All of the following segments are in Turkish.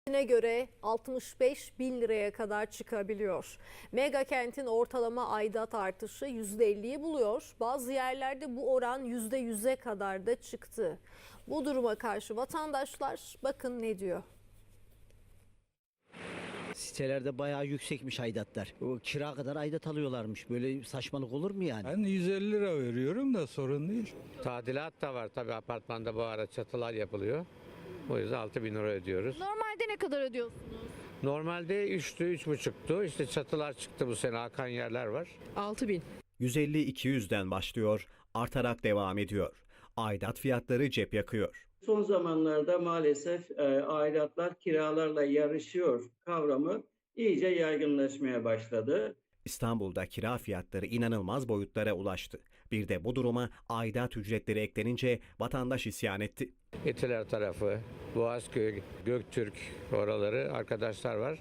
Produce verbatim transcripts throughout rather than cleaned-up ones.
Ne göre altmış beş bin liraya kadar çıkabiliyor. Mega kentin ortalama aidat artışı yüzde elliyi buluyor. Bazı yerlerde bu oran yüzde yüze kadar da çıktı. Bu duruma karşı vatandaşlar bakın ne diyor. Sitelerde bayağı yüksekmiş aidatlar. O kira kadar aidat alıyorlarmış. Böyle saçmalık olur mu yani? Ben yüz elli lira veriyorum da sorun değil. Tadilat da var tabii, apartmanda bu ara çatılar yapılıyor. O yüzden altı bin lira ödüyoruz. Normalde ne kadar ödüyorsunuz? Normalde üçtü, üç buçuktu. İşte çatılar çıktı bu sene, akan yerler var. altı bin. yüz elli iki yüzden başlıyor, artarak devam ediyor. Aidat fiyatları cep yakıyor. Son zamanlarda maalesef e, aidatlar kiralarla yarışıyor kavramı iyice yaygınlaşmaya başladı. İstanbul'da kira fiyatları inanılmaz boyutlara ulaştı. Bir de bu duruma aidat ücretleri eklenince vatandaş isyan etti. Etiler tarafı, Boğazköy, Göktürk oraları arkadaşlar var.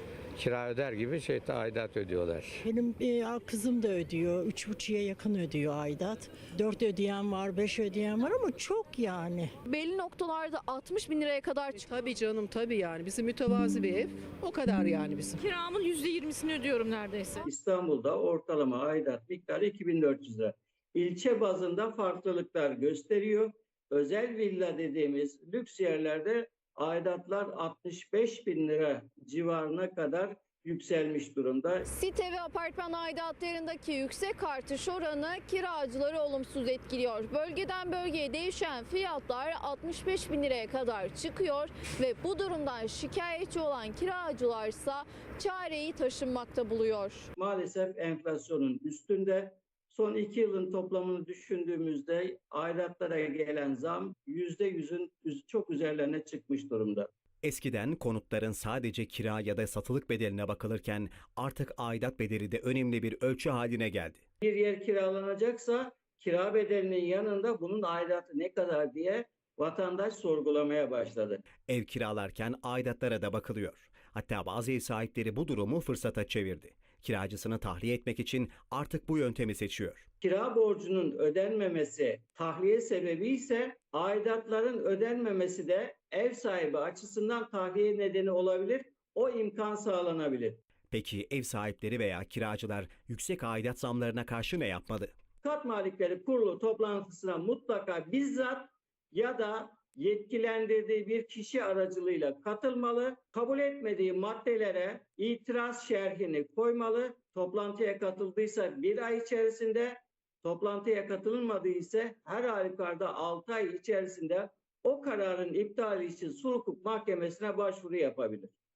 Kira öder gibi şey aidat ödüyorlar. Benim e, kızım da ödüyor. Üç buçuğa yakın ödüyor aidat. Dört ödeyen var, beş ödeyen var ama çok yani. Belli noktalarda altmış bin liraya kadar çıktı. Tabii canım, tabii yani. Bizim mütevazi bir ev. O kadar yani bizim. Kiramın yüzde yirmisini ödüyorum neredeyse. İstanbul'da ortalama aidat miktarı iki bin dört yüz lira. İlçe bazında farklılıklar gösteriyor. Özel villa dediğimiz lüks yerlerde aidatlar altmış beş bin lira civarına kadar yükselmiş durumda. Site ve apartman aidatlarındaki yüksek artış oranı kiracıları olumsuz etkiliyor. Bölgeden bölgeye değişen fiyatlar altmış beş bin liraya kadar çıkıyor ve bu durumdan şikayetçi olan kiracılarsa çareyi taşınmakta buluyor. Maalesef enflasyonun üstünde. Son iki yılın toplamını düşündüğümüzde aidatlara gelen zam yüzde yüzün çok üzerlerine çıkmış durumda. Eskiden konutların sadece kira ya da satılık bedeline bakılırken artık aidat bedeli de önemli bir ölçü haline geldi. Bir yer kiralanacaksa kira bedelinin yanında bunun aidatı ne kadar diye vatandaş sorgulamaya başladı. Ev kiralarken aidatlara da bakılıyor. Hatta bazı ev sahipleri bu durumu fırsata çevirdi. Kiracısını tahliye etmek için artık bu yöntemi seçiyor. Kira borcunun ödenmemesi tahliye sebebi ise aidatların ödenmemesi de ev sahibi açısından tahliye nedeni olabilir. O imkan sağlanabilir. Peki ev sahipleri veya kiracılar yüksek aidat zamlarına karşı ne yapmalı? Kat Malikleri Kurulu toplantısına mutlaka bizzat ya da yetkilendirdiği bir kişi aracılığıyla katılmalı. Kabul etmediği maddelere itiraz şerhini koymalı. Toplantıya katıldıysa bir ay içerisinde, toplantıya katılmadıysa her halükarda altı ay içerisinde o kararın iptali için sulh hukuk mahkemesine başvuru yapabilir.